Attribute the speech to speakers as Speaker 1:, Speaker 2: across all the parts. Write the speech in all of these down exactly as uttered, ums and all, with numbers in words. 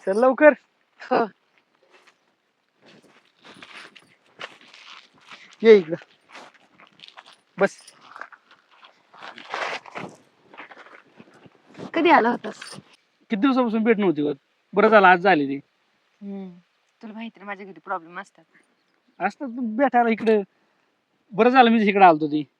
Speaker 1: चल लवकर.
Speaker 2: हो.
Speaker 1: ये इकडं बस.
Speaker 2: कधी आला होतास?
Speaker 1: किती दिवसापासून भेट नव्हती होत. बरं झालं आज झाली ती.
Speaker 2: हम्म. तुला माहिती माझ्या घरी प्रॉब्लेम असतात.
Speaker 1: असतात पण भेटायला इकडे. बरं झालं मी इकडे आलतो ती.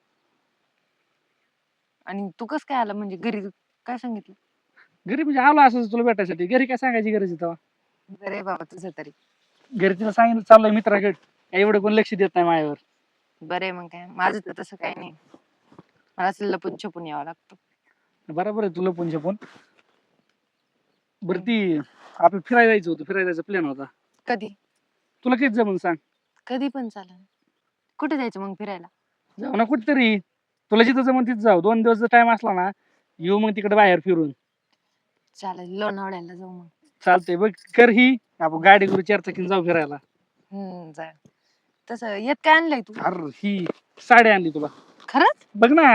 Speaker 2: आणि तू कस काय आला म्हणजे घरी काय सांगितलं?
Speaker 1: घरी म्हणजे आलो असं तुला भेटायसाठी. घरी काय सांगायची गरज आहे तेव्हा.
Speaker 2: बरे बाबा तुझं तरी.
Speaker 1: घरी तिला सांगितलं चाललंय मित्राकडे. एवढं कोण लक्ष देत नाही माझ्यावर.
Speaker 2: बरे मग काय माझं तर तसं काही नाही. मला असं लपून छपून यावं लागतं.
Speaker 1: बरोबर आहे तुला पण पण बरं ती आपलं फिरायला जायचं होतं. फिरायला जायचा प्लॅन होता.
Speaker 2: कधी?
Speaker 1: तुला किती जमून सांग.
Speaker 2: कधी पण चालेल. कुठे जायचं मग फिरायला?
Speaker 1: जाऊ ना कुठतरी. तुला जिथं जमून तिथं जाऊ. दोन दिवस टाइम असला ना येऊ मग तिकडे बाहेर फिरून.
Speaker 2: चालेल लोणावळ्याला जाऊ मग.
Speaker 1: चालतंय बघ कर ही. आपण गाडी करू चार चाकीने जाऊ फिरायला.
Speaker 2: हम्म जा. तसं येत काय आणलंय तू?
Speaker 1: अरे ही साडी आणली तुला.
Speaker 2: खरंच?
Speaker 1: बघ ना.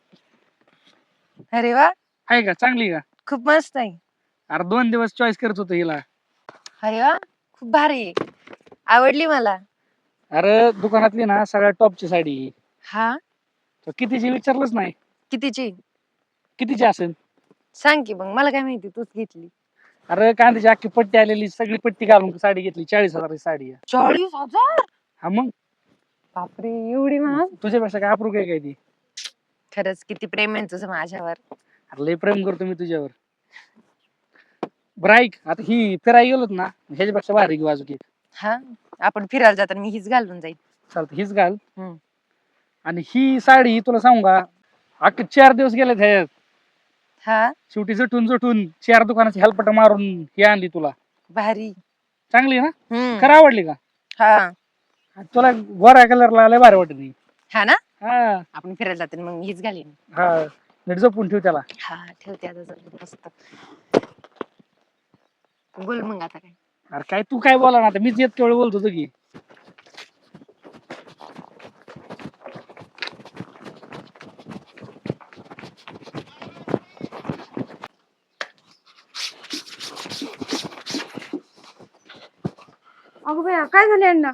Speaker 2: अरे वा.
Speaker 1: आहे का चांगली का?
Speaker 2: खूप मस्त आहे.
Speaker 1: अरे दोन दिवस चॉईस करत होतो हिला.
Speaker 2: अरे वा खूप भारी आहे. आवडली मला.
Speaker 1: अरे दुकानातली ना सगळ्यात टॉपची साडी आहे.
Speaker 2: हा
Speaker 1: तर कितीची विचारलंच नाही.
Speaker 2: कितीची?
Speaker 1: कितीची असेल
Speaker 2: सांग की मग मला काय माहिती तूच घेतली.
Speaker 1: अरे कांद्याची अख्खी पट्टी आलेली सगळी पट्टी घालून साडी घेतली. चाळीस हजाराची साडी आहे.
Speaker 2: चाळीस हजार?
Speaker 1: हा मग
Speaker 2: बापरे एवढी महाग?
Speaker 1: तुझ्यापेक्षा काय अप्रूप आहे काय ती.
Speaker 2: खरंच किती प्रेम आहे तुझं माझ्यावर.
Speaker 1: अरे लय प्रेम करतो मी तुझ्यावर. बरं ऐक आता ही फिरायला गेलोत ना ह्याच्यापेक्षा भारी घेऊ अजून एक.
Speaker 2: हा आपण फिरायला जाताना मी हीच घालून जाईल.
Speaker 1: चालतं हीच घाल.
Speaker 2: हम्म.
Speaker 1: आणि ही साडी तुला सांगू का अख्खे चार दिवस गेले ह्याच्यात.
Speaker 2: हा
Speaker 1: शेवटी जटून जटून चार दुकानाची हेलपट मारून ही आणली तुला.
Speaker 2: भारी.
Speaker 1: चांगली ना?
Speaker 2: हम्म.
Speaker 1: खरं आवडली का?
Speaker 2: हा
Speaker 1: तुला गोरा कलरला लय भारी वाटत.
Speaker 2: हा ना
Speaker 1: हा
Speaker 2: आपण फिरायला जाताना मग हीच घालीन.
Speaker 1: हा नीट जपून ठेव त्याला.
Speaker 2: हा ठेवते आता जरा मस्त. बोल मग आता काय.
Speaker 1: अरे काय तू काय बोला ना आता मीच येत केवळ बोलत होतो की.
Speaker 2: अगं भैया काय झालं यांना?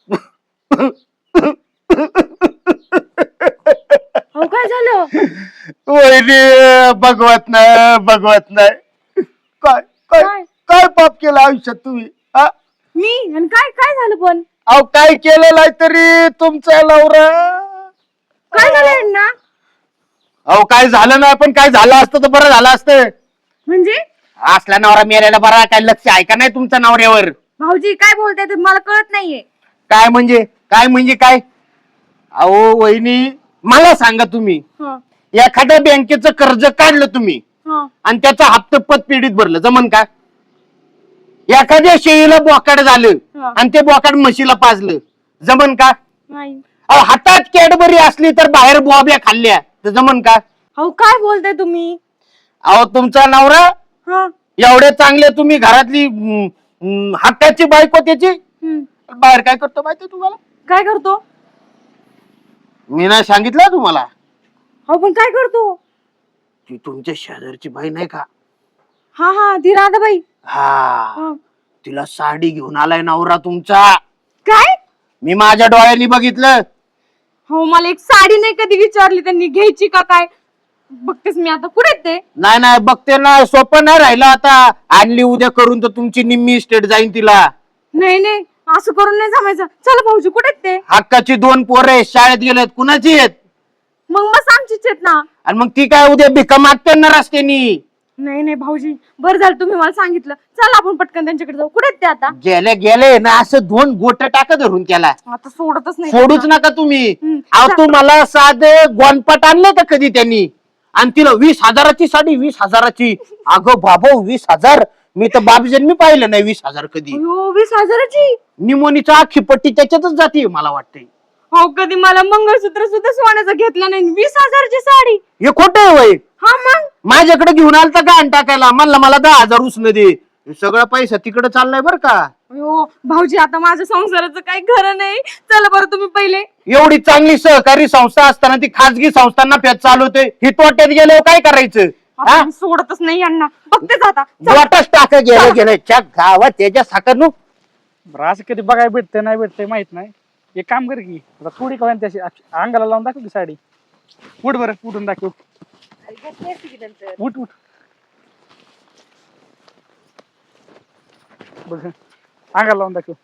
Speaker 2: अहो काय झालं?
Speaker 3: वहिनी भगवत नाही भगवत नाही. काय काय
Speaker 2: काय?
Speaker 3: काय पाप केलं आयुष्यात तुम्ही? हा?
Speaker 2: मी आणि काय काय झालं पण?
Speaker 3: अहो काय केलेलं आहे तरी तुमचा नवरा.
Speaker 2: काय झालं यांना?
Speaker 3: अहो काय झालं नाही पण काय झालं असतं तर बरं झालं असतं.
Speaker 2: म्हणजे
Speaker 3: असला नवरा मेलेला बरा. काय लक्ष आहे का नाही तुमच्या नवऱ्यावर?
Speaker 2: भाऊजी काय बोलताय ते मला कळत नाहीये.
Speaker 3: काय म्हणजे काय म्हणजे काय? अहो वहिनी मला सांगा तुम्ही
Speaker 2: हं,
Speaker 3: एखाद्या बँकेचं कर्ज काढलं तुम्ही
Speaker 2: हं.
Speaker 3: आणि त्याचा हप्ता पतपेढीत भरलं जमन का? एखाद्या शेळीला बोकाड झालं
Speaker 2: हा.
Speaker 3: आणि ते बोकाड म्हशीला पाजलं जमन का?
Speaker 2: नाही.
Speaker 3: अहो हातात कॅडबरी असली तर बाहेर बोब्या खाल्ल्या तर जमन का?
Speaker 2: अहो काय बोलताय तुम्ही?
Speaker 3: अहो तुमचा नवरा
Speaker 2: हा
Speaker 3: एवढे चांगले तुम्ही घरातली हम्म, हम्म, हक्काची बायको त्याची बाहेर काय करतो माहिती तुम्हाला?
Speaker 2: काय करतो?
Speaker 3: मी नाही सांगितलं तुम्हाला?
Speaker 2: अहो पण काय करतो?
Speaker 3: ती तुमच्या शेजारची बाई नाही का?
Speaker 2: हा हा ती राधाबाई.
Speaker 3: हा
Speaker 2: हं.
Speaker 3: तिला साडी घेऊन आलाय नवरा तुमचा.
Speaker 2: काय?
Speaker 3: मी माझ्या डोळ्यांनी बघितलं.
Speaker 2: हो मला एक साडी नाही कधी विचारली त्यांनी घ्यायची का काय. बघतेस मी आता कुठे ते.
Speaker 3: नाही नाही बघते ना सोपं नाही राहिलं आता. आणली उद्या करून तर तुमची निम्मी स्टेट जाईन तिला.
Speaker 2: नाही नाही असं करून नाही जमायचं. चला भाऊजी कुठे ते.
Speaker 3: हक्काची दोन पोरं शाळेत गेलेत कुणाची आहेत?
Speaker 2: मग मस्त आमचीच आहेत ना.
Speaker 3: आणि मग ती काय उद्या भिका मागते ना रस्त्यानी.
Speaker 2: नाही नाही भाऊजी बरं झालं तुम्ही मला सांगितलं. चला आपण पटकन त्यांच्याकडे जाऊ. कुठे ते आता?
Speaker 3: गेले गेले ना असं दोन गोट टाका धरून त्याला.
Speaker 2: आता सोडतच नाही.
Speaker 3: सोडूच नका तुम्ही.
Speaker 2: हम्म.
Speaker 3: अहो तुम्हाला साधे गोनपट आणले का कधी त्यांनी? आणि तिला वीस हजाराची साडी वीस हजाराची. अगं बाबा वीस हजार मी तर बापजन्मी पाहिलं नाही वीस हजार कधी.
Speaker 2: अयो, वीस हजाराची.
Speaker 3: निमोनीचा आखी पट्टी त्याच्यातच जाते मला वाटतंय.
Speaker 2: हो कधी मला मंगळसूत्र सुद्धा सोन्याचं घेतलं नाही. वीस हजाराची साडी.
Speaker 3: हे खोट आहे वय.
Speaker 2: हा मग
Speaker 3: माझ्याकडे घेऊन आलता गाण टाकायला. म्हणलं मला दहा हजार उसनं दे. हे सगळा पैसा तिकडे चाललाय बर का.
Speaker 2: अयो भाऊजी आता माझ्या संसाराचं काही खरं नाही. चला बरं तुम्ही पहिले.
Speaker 3: एवढी चांगली सहकारी संस्था असताना ती खाजगी संस्थांना पेच चालवते. ही तोट्यात गेल्यावर काय करायचं? हा?
Speaker 2: आपण सोडतच नाही यांना. बघतेच आता.
Speaker 3: वाटच टाक गेलं गेलं च्या गावात त्याच्या साखर
Speaker 1: बरं असं कधी बघायला भेटतंय नाही भेटतंय माहित नाही. एक काम कर की आता थोडी कळण त्याची अंगाला लावून दाखव की साडी. उठ बरं उठून दाखव. उठ उठ बघ अंगाला लावून दाखव.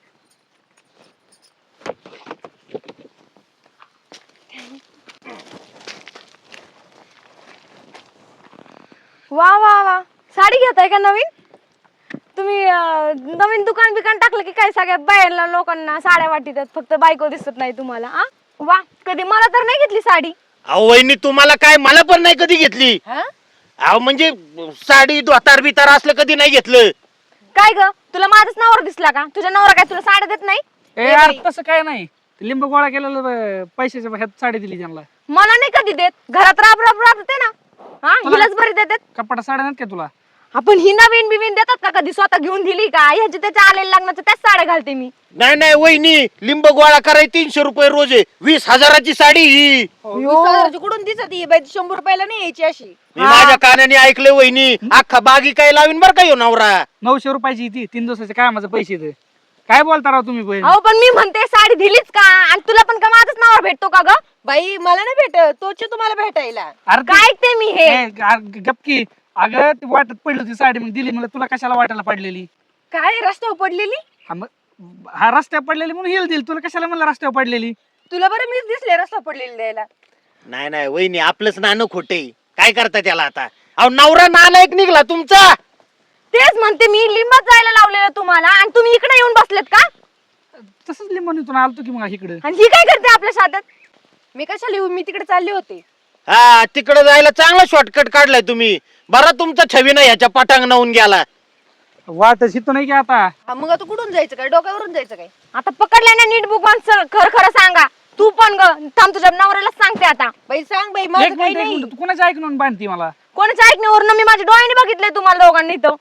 Speaker 2: वा वा वा, साडी घेताय का नवीन तुम्ही? अं, नवीन दुकान बिकान टाकलं की काय? सगळ्या बाहेरला लोकांना साड्या वाटतात, फक्त बायको दिसत नाही तुम्हाला. आ वा, कधी मला तर नाही घेतली साडी.
Speaker 3: अहो वहिनी तुम्हाला काय, मला पण नाही कधी घेतली. अहो म्हणजे साडी धोतार बितार असलं कधी नाही घेतलं.
Speaker 2: काय ग, तुला माझाच नवरा दिसला का? तुझ्या नवरा काय तुला साड्या देत नाही?
Speaker 1: ए यार तसं काय नाही. ते लिंब गोळा केलेलं अं, पैशाच्या ह्यात साडी दिली त्यांना.
Speaker 2: मला नाही कधी देत. घरात राब राब राबते ना. हा, हिलाच बरी देतात.
Speaker 1: कपाटा साड्या नाहीत का तुला?
Speaker 2: आपण ही नवीन बिवीन देतात का कधी? स्वतः घेऊन दिली का? ह्याची त्याच्या आलेल्या लग्नाचं त्याच साड्या घालते मी.
Speaker 3: नाही नाही वहिनी, लिंब गोळा कराय तीनशे रुपये रोज आहे. वीस हजाराची साडी ही.
Speaker 4: कुठून दिसत ही बाई? शंभर रुपयाला नाही यायची अशी.
Speaker 3: मी माझ्या कानाने ऐकलं वहिनी. अख्खा बागी काय लावीन बर का ह्यो नवरा.
Speaker 1: नऊशे रुपयाची ती तीन दिवसाचे काय माझं पैसे दे. काय बोलता राव तुम्ही बहीण?
Speaker 2: अहो पण मी म्हणते साडी दिलीच का? आणि तुला पण का माझाच नवरा भेटतो का ग?
Speaker 4: बाई मला नाही भेटत, तोच तुम्हाला भेटायला.
Speaker 1: अरे ते-
Speaker 2: काय ऐकते मी हे?
Speaker 1: ए, अरे गपकी. अगं ती वाटत पडली होती साडी मग दिली. मला तुला कशाला वाटायला पडलेली?
Speaker 4: काय रस्त्यावर पडलेली?
Speaker 1: हा मग हा रस्त्यावर पडलेली म्हणून हिल दिली. तुला कशाला मला रस्त्यावर पडलेली?
Speaker 4: तुला बरं मीच दिसले रस्त्यावर पडलेली द्यायला.
Speaker 3: नाही नाही वहिनी, आपलंच नाणं खोटे. काय करता त्याला आता? अहो नवरा नालायक निघला तुमचा.
Speaker 2: तेच म्हणते मी, लिंबात जायला लावलेलं तुम्हाला आणि तुम्ही इकडे येऊन बसलेत का?
Speaker 1: तसंच लिंबून इथून आलतो की मग इकडे.
Speaker 2: आणि ही काय करते आपल्या शाळेत?
Speaker 4: मी कशाला येऊ? मी तिकडे चालले होते.
Speaker 3: हा तिकडे जायला चांगला शॉर्टकट काढलाय तुम्ही. बरा तुमचा छवी ना ह्याच्या पाटांग नावून गेला.
Speaker 1: वाटच इथं नाही की आता.
Speaker 4: हा, मग आता कुठून जायचं काय? डोक्यावरून जायचं काय?
Speaker 2: आता पकडल्याने नीट बुकवान खर खरं सांगा. तू पण ग थांब, तुझ्या नवऱ्याला सांगते आता.
Speaker 4: बाई सांग बाई,
Speaker 1: एक
Speaker 4: माझं काही
Speaker 1: मिनिट एक
Speaker 4: नाही.
Speaker 1: मिनिट. तू कोणाच्या ऐकून बांधती मला?
Speaker 2: कोणाच्या ऐकण्यावरून मी माझ्या डोळ्याने बघितलंय तुम्हाला दोघांनी इथं.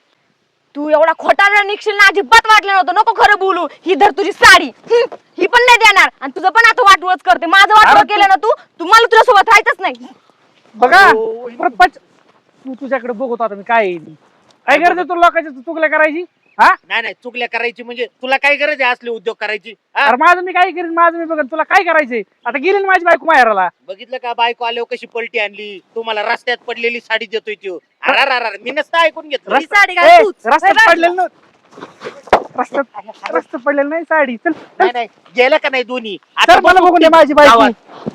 Speaker 2: तू एवढा खोटा निघशील ना अजिबात वाटलं नव्हतं. नको खरं बोलू. ही धर तुझी साडी. हं, ही पण नाही देणार आणि तुझं पण आता वाटवळच करते. माझं वाटवळ
Speaker 1: अरे
Speaker 2: केलं ना तू, तुम्हाला तुझ्या सोबत राहायचंच नाही.
Speaker 1: बघा परत पच. तू तुझ्याकडे बघतो आता मी काय येईल. काय गरज तुला लोकांच्या चुकल्या करायची? हा
Speaker 3: नाही नाही चुकल्या करायची म्हणजे तुला काय गरज आहे असले उद्योग करायची? हा?
Speaker 1: अरे माझं मी काय करीन, माझं मी बघन. तुला काय करायचंय? आता गेली ना माझी बायको माहेराला.
Speaker 3: बघितलं का बायको आल्यावर कशी पलटी आणली? तुम्हाला रस्त्यात पडलेली साडी देतोय त्यो. अरे अरे अरे, मी नसतं ऐकून घेतलं.
Speaker 4: ही साडी
Speaker 1: ए,
Speaker 4: घाल तूच.
Speaker 1: रस्त्यात पडलेलं ना. रस्त्यात रस्त्यात पडलेलं नाही साडी. चल
Speaker 3: नाही नाही गेलं का नाही दोन्ही?
Speaker 1: चल मला
Speaker 3: बघू
Speaker 1: बघून दे
Speaker 3: ते
Speaker 1: माझी बायको.
Speaker 3: गावात.